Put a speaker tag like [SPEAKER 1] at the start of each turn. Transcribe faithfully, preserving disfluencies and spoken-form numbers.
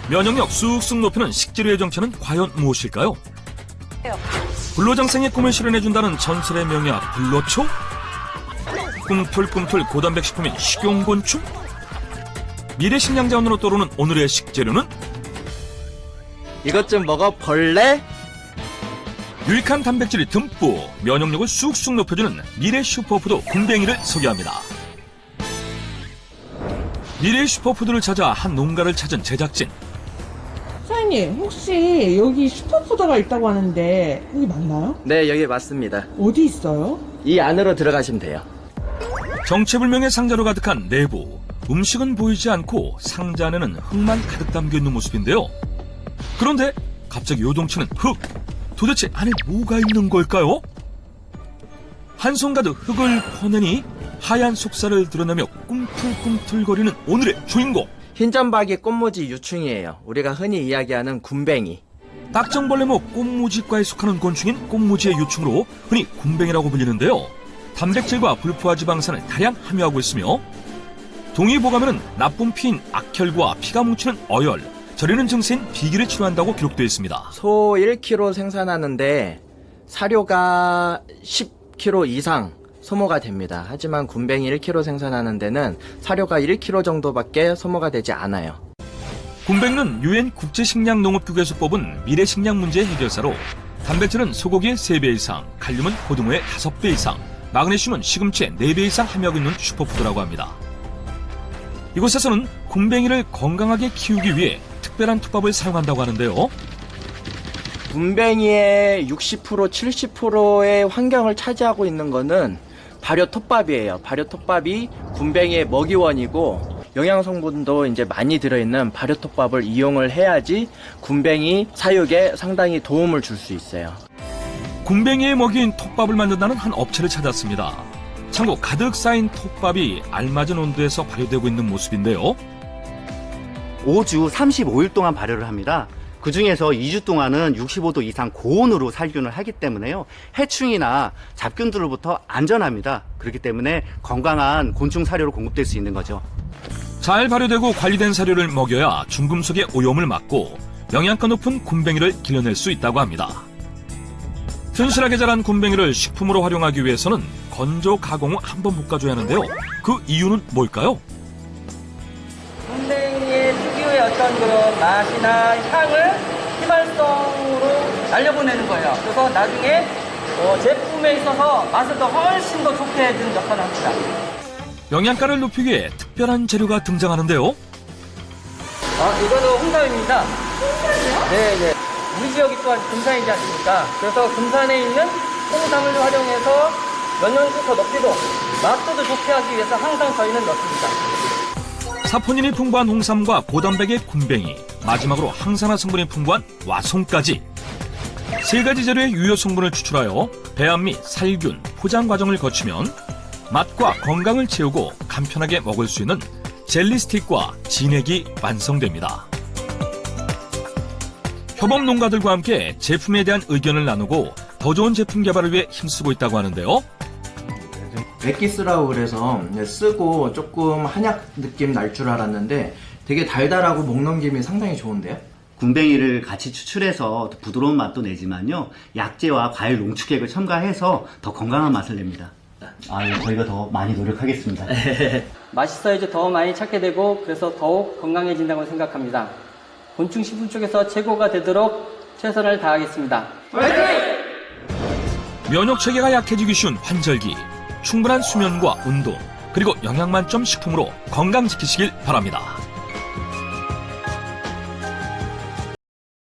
[SPEAKER 1] 면역력 쑥쑥 높이는 식재료의 정체는 과연 무엇일까요? 불로장생의 꿈을 실현해준다는 전설의 명약 불로초? 꿈틀꿈틀 고단백 식품인 식용곤충? 미래 식량 자원으로 떠오르는 오늘의 식재료는?
[SPEAKER 2] 이것 좀 먹어 벌레?
[SPEAKER 1] 유익한 단백질이 듬뿍 면역력을 쑥쑥 높여주는 미래 슈퍼푸드 굼벵이를 소개합니다. 미래 슈퍼푸드를 찾아 한 농가를 찾은 제작진.
[SPEAKER 3] 사장님, 혹시 여기 슈퍼푸드가 있다고 하는데 여기 맞나요?
[SPEAKER 2] 네, 여기 맞습니다.
[SPEAKER 3] 어디 있어요?
[SPEAKER 2] 이 안으로 들어가시면 돼요.
[SPEAKER 1] 정체불명의 상자로 가득한 내부. 음식은 보이지 않고 상자 안에는 흙만 가득 담겨있는 모습인데요. 그런데 갑자기 요동치는 흙. 도대체 안에 뭐가 있는 걸까요? 한 손 가득 흙을 퍼내니 하얀 속살을 드러내며 꿈틀꿈틀거리는 오늘의 주인공.
[SPEAKER 2] 흰점박이 꽃무지 유충이에요. 우리가 흔히 이야기하는 굼벵이.
[SPEAKER 1] 딱정벌레목 꽃무지과에 속하는 곤충인 꽃무지의 유충으로 흔히 굼벵이라고 불리는데요. 단백질과 불포화 지방산을 다량 함유하고 있으며 동의보감에는 나쁜 피인 악혈과 피가 뭉치는 어열, 저리는 증세인 비기를 치료한다고 기록되어 있습니다.
[SPEAKER 2] 소 일 킬로그램 생산하는데 사료가 십 킬로그램 이상 소모가 됩니다. 하지만 굼벵이 일 킬로그램 생산하는 데는 사료가 일 킬로그램 정도밖에 소모가 되지 않아요.
[SPEAKER 1] 굼벵이는 유엔 국제식량농업기구에서 뽑은 미래식량 문제 해결사로 단백질은 소고기의 세 배 이상, 칼륨은 고등어의 다섯 배 이상, 마그네슘은 시금치의 네 배 이상 함유하고 있는 슈퍼푸드라고 합니다. 이곳에서는 굼벵이를 건강하게 키우기 위해 특별한 톱밥을 사용한다고 하는데요.
[SPEAKER 2] 굼벵이의 육십 퍼센트, 칠십 퍼센트의 환경을 차지하고 있는 거는 발효 톱밥이에요. 발효 톱밥이 굼벵이의 먹이원이고 영양 성분도 이제 많이 들어있는 발효 톱밥을 이용을 해야지 굼벵이 사육에 상당히 도움을 줄 수 있어요.
[SPEAKER 1] 굼벵이의 먹이인 톱밥을 만든다는 한 업체를 찾았습니다. 참고 가득 쌓인 톱밥이 알맞은 온도에서 발효되고 있는 모습인데요.
[SPEAKER 4] 오 주 삼십오 일 동안 발효를 합니다. 그 중에서 이 주 동안은 육십오 도 이상 고온으로 살균을 하기 때문에요. 해충이나 잡균들로부터 안전합니다. 그렇기 때문에 건강한 곤충 사료로 공급될 수 있는 거죠.
[SPEAKER 1] 잘 발효되고 관리된 사료를 먹여야 중금속의 오염을 막고 영양가 높은 굼벵이를 길러낼 수 있다고 합니다. 튼실하게 자란 굼벵이를 식품으로 활용하기 위해서는 건조 가공 후 한 번 볶아줘야 하는데요. 그 이유는 뭘까요?
[SPEAKER 5] 굼벵이의 특유의 어떤 그런 맛이나 향을 휘발성으로 날려보내는 거예요. 그래서 나중에 어, 제품에 있어서 맛을 더 훨씬 더 좋게 해주는 역할을 합니다.
[SPEAKER 1] 영양가를 높이기 위해 특별한 재료가 등장하는데요.
[SPEAKER 5] 아, 이거는 홍삼입니다. 홍삼이요? 네, 네. 우리 지역이 또한 금산이지 않습니까? 그래서 금산에 있는 홍삼을 활용해서 면역력도 더 높이고 맛도 더 좋게 하기 위해서 항상 저희는 넣습니다.
[SPEAKER 1] 사포닌이 풍부한 홍삼과 고단백의 굼벵이, 마지막으로 항산화 성분이 풍부한 와송까지 세 가지 재료의 유효 성분을 추출하여 배합 및 살균, 포장 과정을 거치면 맛과 건강을 채우고 간편하게 먹을 수 있는 젤리 스틱과 진액이 완성됩니다. 협업 농가들과 함께 제품에 대한 의견을 나누고 더 좋은 제품 개발을 위해 힘쓰고 있다고 하는데요.
[SPEAKER 2] 맥기스라고 그래서 쓰고 조금 한약 느낌 날 줄 알았는데 되게 달달하고 목 넘김이 상당히 좋은데요?
[SPEAKER 4] 굼벵이를 같이 추출해서 더 부드러운 맛도 내지만요. 약재와 과일 농축액을 첨가해서 더 건강한 맛을 냅니다. 아, 예, 저희가 더 많이 노력하겠습니다.
[SPEAKER 5] 맛있어야지 더 많이 찾게 되고 그래서 더욱 건강해진다고 생각합니다. 곤충 식품 쪽에서 최고가 되도록 최선을 다하겠습니다.
[SPEAKER 1] 면역 체계가 약해지기 쉬운 환절기, 충분한 수면과 운동, 그리고 영양 만점 식품으로 건강 지키시길 바랍니다.